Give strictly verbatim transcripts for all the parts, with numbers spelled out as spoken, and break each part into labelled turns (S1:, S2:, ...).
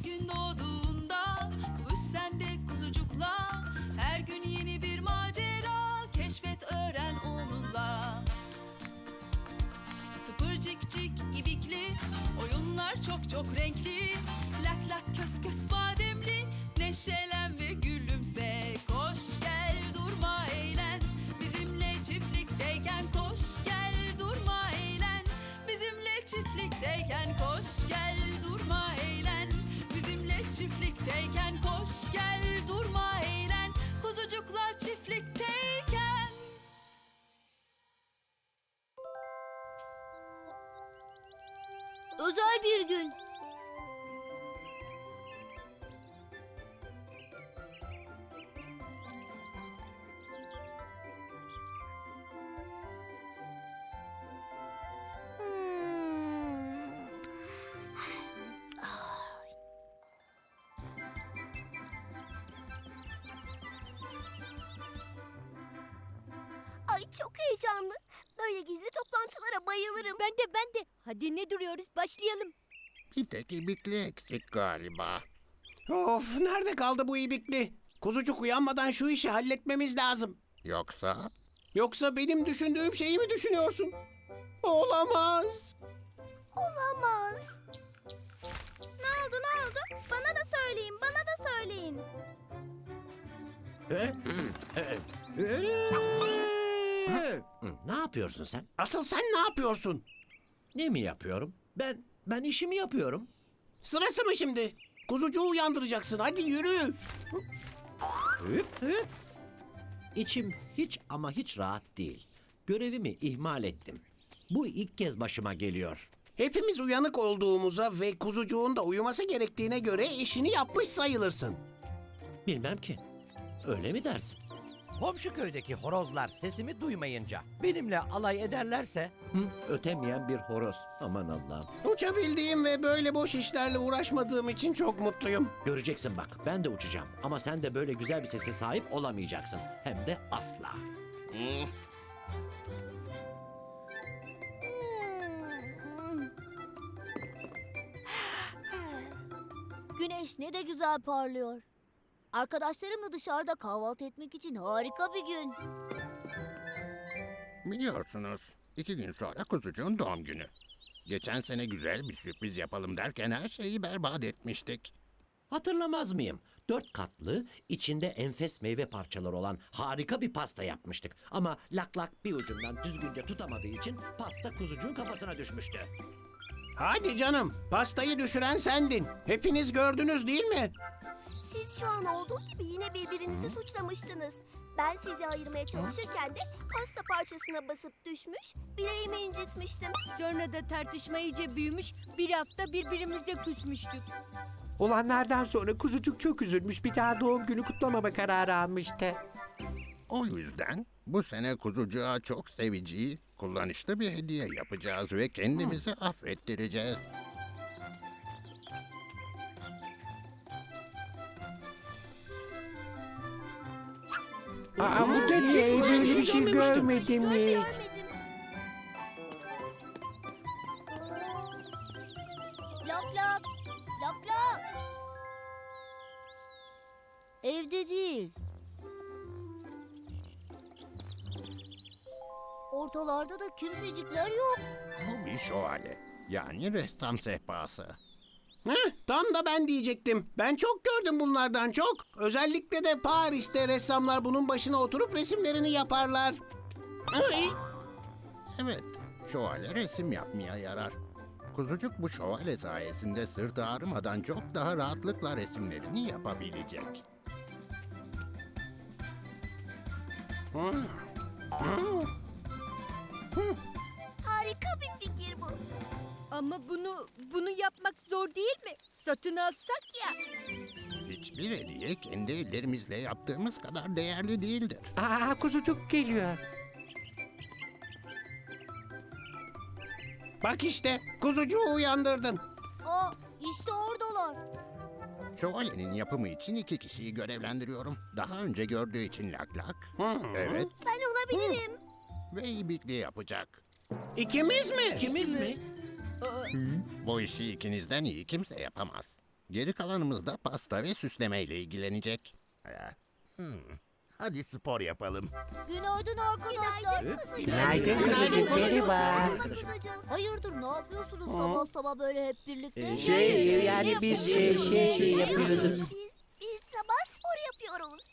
S1: gün doğduğunda buluş sen de kuzucukla. Her gün yeni bir macera keşfet öğren onunla. Tıpırcıkcık ibikli oyunlar çok çok renkli. Lak lak kös kös bademli neşelen ve gülümse. Koş gel durma eğlen bizimle çiftlikteyken. Koş gel durma eğlen bizimle çiftlikteyken. Koş gel durma eğlen bizimle çiftlikteyken. Koş gel durma eğlen kuzucuklar çiftlikteyken.
S2: Özel bir gün.
S3: Ay çok heyecanlı. Böyle gizli toplantılara bayılırım.
S2: Ben de ben de. Hadi ne duruyoruz? Başlayalım.
S4: Bir tek ibikli eksik galiba.
S5: Of, nerede kaldı bu ibikli? Kuzucuk uyanmadan şu işi halletmemiz lazım.
S4: Yoksa
S5: Yoksa benim düşündüğüm şeyi mi düşünüyorsun? Olamaz.
S3: Olamaz. Ne oldu ne oldu? Bana da söyleyin, bana da söyleyin.
S6: Ne yapıyorsun sen?
S5: Asıl sen ne yapıyorsun?
S6: Ne mi yapıyorum? Ben ben işimi yapıyorum.
S5: Sırası mı şimdi? Kuzucuğu uyandıracaksın. Hadi yürü.
S6: Hüp hüp. İçim hiç ama hiç rahat değil. Görevimi ihmal ettim. Bu ilk kez başıma geliyor.
S5: Hepimiz uyanık olduğumuza ve kuzucuğun da uyuması gerektiğine göre işini yapmış sayılırsın.
S6: Bilmem ki. Öyle mi dersin?
S7: Komşu köydeki horozlar sesimi duymayınca benimle alay ederlerse
S6: Hı, ötemeyen bir horoz. Aman Allah'ım.
S5: Uçabildiğim ve böyle boş işlerle uğraşmadığım için çok mutluyum.
S6: Göreceksin bak, ben de uçacağım. Ama sen de böyle güzel bir sese sahip olamayacaksın. Hem de asla.
S2: Güneş ne de güzel parlıyor. Arkadaşlarımla dışarıda kahvaltı etmek için harika bir gün.
S4: biliyorsunuz iki gün sonra kuzucuğun doğum günü. Geçen sene güzel bir sürpriz yapalım derken her şeyi berbat etmiştik.
S6: Hatırlamaz mıyım? Dört katlı, içinde enfes meyve parçaları olan harika bir pasta yapmıştık. Ama lak lak bir ucundan düzgünce tutamadığı için pasta kuzucuğun kafasına düşmüştü.
S5: Hadi canım, pastayı düşüren sendin. Hepiniz gördünüz değil mi?
S3: Siz şu an olduğu gibi yine birbirinizi suçlamıştınız. Ben sizi ayırmaya çalışırken de pasta parçasına basıp düşmüş, bileğimi incitmiştim.
S2: Sonra da tartışma iyice büyümüş, bir hafta birbirimize küsmüştük.
S8: Olanlardan sonra kuzucuk çok üzülmüş, bir daha doğum günü kutlamama kararı almıştı.
S4: O yüzden bu sene kuzucuğa çok sevici, kullanışlı bir hediye yapacağız ve kendimizi affettireceğiz.
S8: Aa, bu da ne? Böyle bir şey görmedim
S3: Dur
S8: hiç.
S3: görmedim.
S2: Lak lak, lak lak. Evde değil. Ortalarda da kimsecikler yok.
S4: Bu bir şövalye, yani ressam sehpası.
S5: Heh, tam da ben diyecektim. Ben çok gördüm bunlardan çok. Özellikle de Paris'te ressamlar bunun başına oturup resimlerini yaparlar. Ay,
S4: Evet, şövalye resim yapmaya yarar. Kuzucuk bu şövalye sayesinde sırtı ağrımadan çok daha rahatlıkla resimlerini yapabilecek.
S3: Harika bir fikir bu.
S2: Ama bunu bunu yapmak zor değil mi? Satın alsak ya.
S4: Hiçbir hediye kendi ellerimizle yaptığımız kadar değerli değildir.
S8: Aa, kuzucuk geliyor.
S5: bak işte, kuzucuğu uyandırdın.
S2: Aa, işte oradalar.
S4: Şövalyenin yapımı için iki kişiyi görevlendiriyorum. Daha önce gördüğü için lak lak.
S5: Hı.
S4: Evet,
S3: Ben olabilirim.
S4: ve ibikli yapacak.
S5: İkimiz mi?
S6: İkimiz mi?
S4: Bu işi ikinizden iyi kimse yapamaz. Geri kalanımız da pasta ve süslemeyle ilgilenecek.
S9: Ya, hmm, Hadi spor yapalım.
S2: Günaydın arkadaşlar.
S8: Günaydın kuzucuk, merhaba.
S3: Kuzucuk.
S2: Hayırdır ne yapıyorsunuz sabah sabah böyle hep birlikte?
S8: Şey, yani biz e, şey yapıyorduk.
S3: Biz, biz sabah spor yapıyoruz.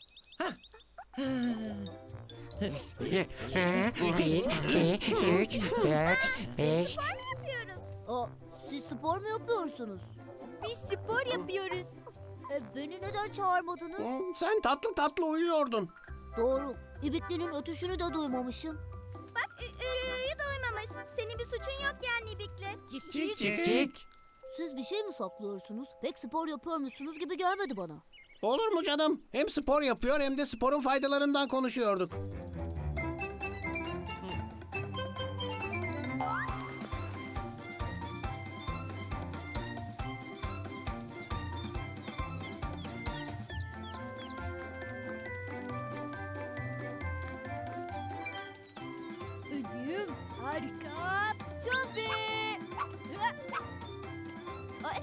S8: Bir, iki, üç, dört, beş.
S3: Yapıyoruz.
S2: Aa, siz spor mu yapıyorsunuz?
S3: Biz spor yapıyoruz.
S2: E, beni neden çağırmadınız?
S5: Hmm, Sen tatlı tatlı uyuyordun.
S2: Doğru. İbikli'nin ötüşünü de duymamışım.
S3: Bak ürüyü duymamış. Senin bir suçun yok yani İbik'le.
S5: Cik
S8: Cik cik.
S2: Siz bir şey mi saklıyorsunuz? Pek spor yapıyormuşsunuz gibi gelmedi bana.
S5: Olur mu canım? Hem spor yapıyor hem de sporun faydalarından konuşuyorduk.
S3: Ölüm harika. Tabii. Ay.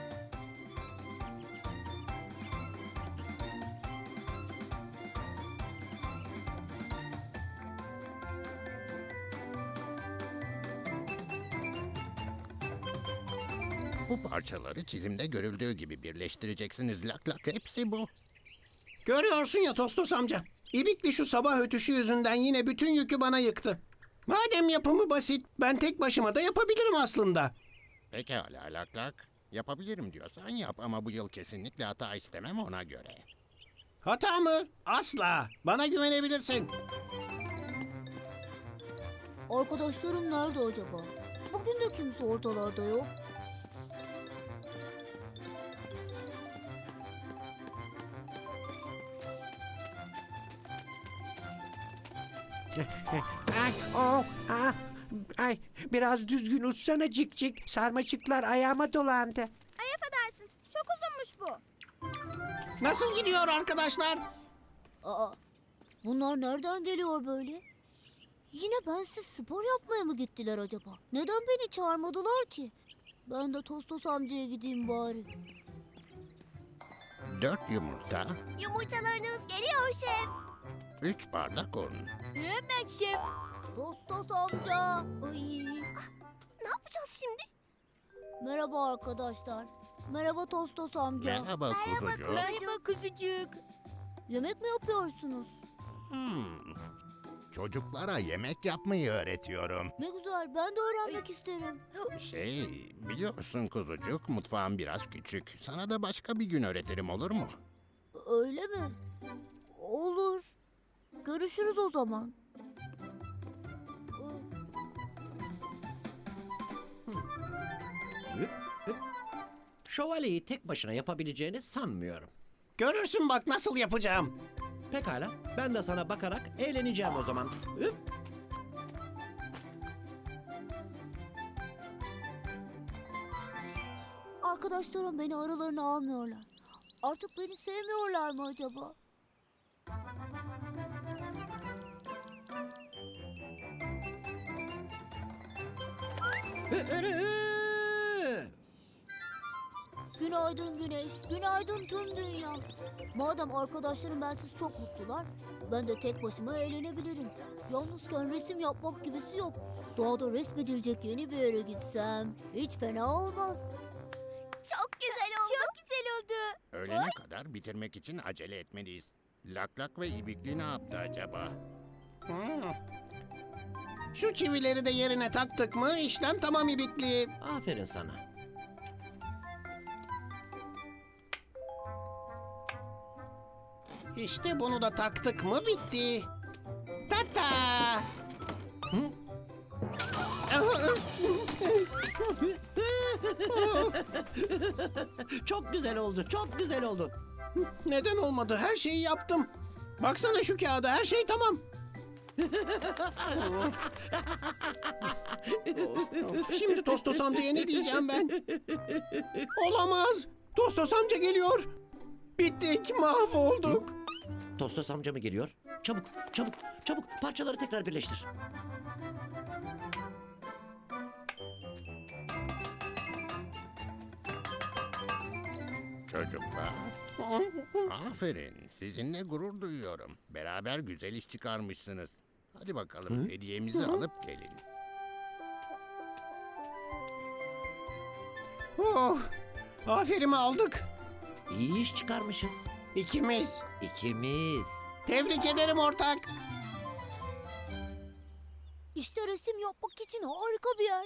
S4: Bu parçaları çizimde görüldüğü gibi birleştireceksiniz. Lak lak hepsi bu.
S5: Görüyorsun ya Tostos amca. İbikli şu sabah ötüşü yüzünden yine bütün yükü bana yıktı. Madem yapımı basit, ben tek başıma da yapabilirim aslında.
S4: Pekala lak lak. Yapabilirim diyorsan yap ama bu yıl kesinlikle hata istemem ona göre.
S5: Hata mı? Asla. Bana güvenebilirsin.
S2: Arkadaşlarım nerede acaba? Bugün de kimse ortalarda yok.
S8: Ay, oh, ah, ay, biraz düzgün uçsana cik cik. Sarmaşıklar ayağıma dolandı.
S3: Ay affedersin. Çok uzunmuş bu.
S5: Nasıl gidiyor arkadaşlar?
S2: Aa, bunlar nereden geliyor böyle? Yine bensiz spor yapmaya mı gittiler acaba? Neden beni çağırmadılar ki? Ben de Tostos amcaya gideyim bari.
S4: Dört yumurta,
S3: Yumurtalarınız geliyor şef.
S4: üç bardak un.
S3: Hemen şef.
S2: Tostos amca.
S3: Ay. Ne yapacağız şimdi?
S2: Merhaba arkadaşlar. Merhaba Tostos amca.
S4: Merhaba kuzucuğum.
S3: Merhaba kuzucuk.
S2: Yemek mi yapıyorsunuz?
S9: Hmm, Çocuklara yemek yapmayı öğretiyorum.
S2: Ne güzel ben de öğrenmek isterim.
S4: Şey, biliyorsun kuzucuk, mutfağım biraz küçük. Sana da başka bir gün öğretirim, olur mu?
S2: Öyle mi? Olur. Görüşürüz o zaman.
S6: Şövalyeyi tek başına yapabileceğini sanmıyorum.
S5: Görürsün bak nasıl yapacağım.
S6: Pekala, ben de sana bakarak eğleneceğim o zaman. Hüp.
S2: Arkadaşlarım beni aralarına almıyorlar. Artık beni sevmiyorlar mı acaba? Günaydın güneş, günaydın tüm dünya. Madem arkadaşlarım bensiz çok mutlular, ben de tek başıma eğlenebilirim. Yalnızken resim yapmak gibisi yok. Doğada resmedilecek yeni bir yere gitsem hiç fena olmaz.
S3: Çok güzel oldu. Çok güzel oldu.
S4: Öğlene kadar bitirmek için acele etmeliyiz. Lak lak ve ibikli ne yaptı acaba?
S5: Hmm. Şu çivileri de yerine taktık mı işlem tamam İbikli.
S6: Aferin sana.
S5: İşte bunu da taktık mı bitti. Tata.
S6: Hı? Çok güzel oldu, çok güzel oldu.
S5: Neden olmadı? Her şeyi yaptım. Baksana şu kağıda her şey tamam. Şimdi Tostos amcaya ne diyeceğim ben? Olamaz. Tostos amca geliyor. Bittik, mahvolduk.
S6: Tostos amca mı geliyor? Çabuk, çabuk, çabuk parçaları tekrar birleştir.
S4: çocuklar. Aferin. Sizinle gurur duyuyorum. Beraber güzel iş çıkarmışsınız. Hadi bakalım hediyemizi alıp gelin.
S5: Oh, aferin aldık.
S6: İyi iş çıkarmışız.
S5: İkimiz.
S6: İkimiz.
S5: Tebrik ederim ortak.
S2: İşte resim yapmak için harika bir yer.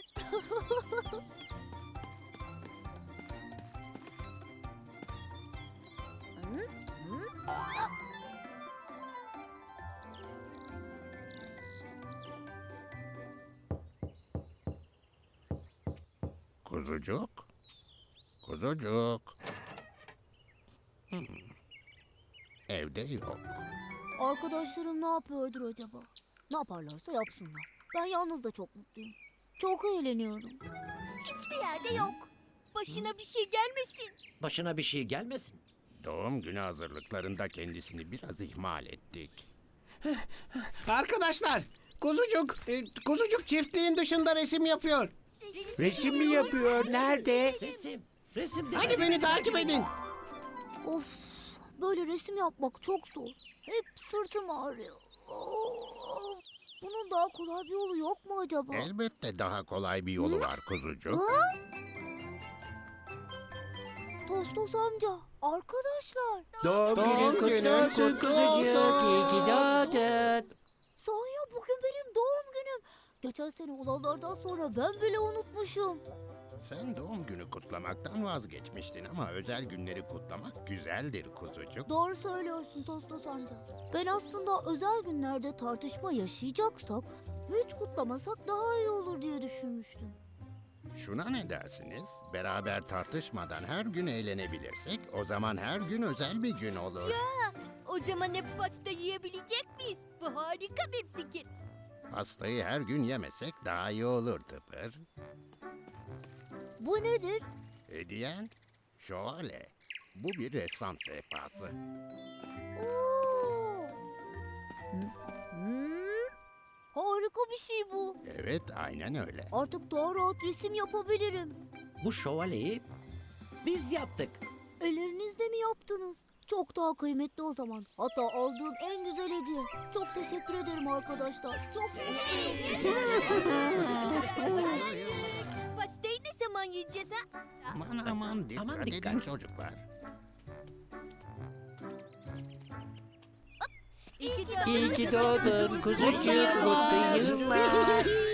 S2: Hı? Hı?
S4: Kuzucuk. Kuzucuk. Hmm. Evde yok.
S2: Arkadaşlarım ne yapıyordur acaba? Ne yaparlarsa yapsınlar. Ben yalnız da çok mutluyum. Çok eğleniyorum.
S3: Hiçbir yerde yok. Başına bir şey gelmesin.
S6: Başına bir şey gelmesin.
S4: Doğum günü hazırlıklarında kendisini biraz ihmal ettik.
S5: Arkadaşlar, kuzucuk, e, kuzucuk çiftliğin dışında resim yapıyor.
S8: Resim mi yapıyor? Nerede?
S6: Resim. Resim de.
S5: Hadi beni takip edin.
S2: Of, böyle resim yapmak çok zor. Hep sırtım ağrıyor. Of, bunun daha kolay bir yolu yok mu acaba?
S4: Elbette daha kolay bir yolu var kuzucuk.
S2: Ha? Tostos amca, arkadaşlar.
S8: Doğum,
S5: Doğum
S8: günün kutlu
S5: günün
S8: olsun
S5: kutlu
S8: kuzucuk.
S5: olsun.
S8: İyi ki doğdun.
S2: Sahi ya, bugün benim doğum günüm. Geçen sene olanlardan sonra ben bile unutmuşum.
S4: Sen doğum günü kutlamaktan vazgeçmiştin ama özel günleri kutlamak güzeldir kuzucuk.
S2: Doğru söylüyorsun Tostos amca. Ben aslında özel günlerde tartışma yaşayacaksak hiç kutlamasak daha iyi olur diye düşünmüştüm.
S4: Şuna ne dersiniz? Beraber tartışmadan her gün eğlenebilirsek o zaman her gün özel bir gün olur.
S3: O zaman hep pasta yiyebilecek miyiz? Bu harika bir fikir.
S4: Pastayı her gün yemesek daha iyi olur Tıpır.
S2: Bu nedir?
S4: Hediyen şövalye. Bu bir ressam sehpası.
S2: Oo. Hmm, harika bir şey bu.
S4: Evet, aynen öyle.
S2: Artık daha rahat resim yapabilirim.
S6: Bu şövalyeyi biz yaptık.
S2: Ellerinizle mi yaptınız? Çok daha kıymetli o zaman. Hatta aldığım en güzel hediye. Çok teşekkür ederim arkadaşlar. Çok
S3: Pastayı ne zaman yiyeceğiz ha?
S4: Aman aman dikkat,
S6: Aman
S4: edin
S6: dikkat.
S4: çocuklar.
S3: İyi ki
S8: İyi ki doğdun kuzucuk. Mutlu yıllar.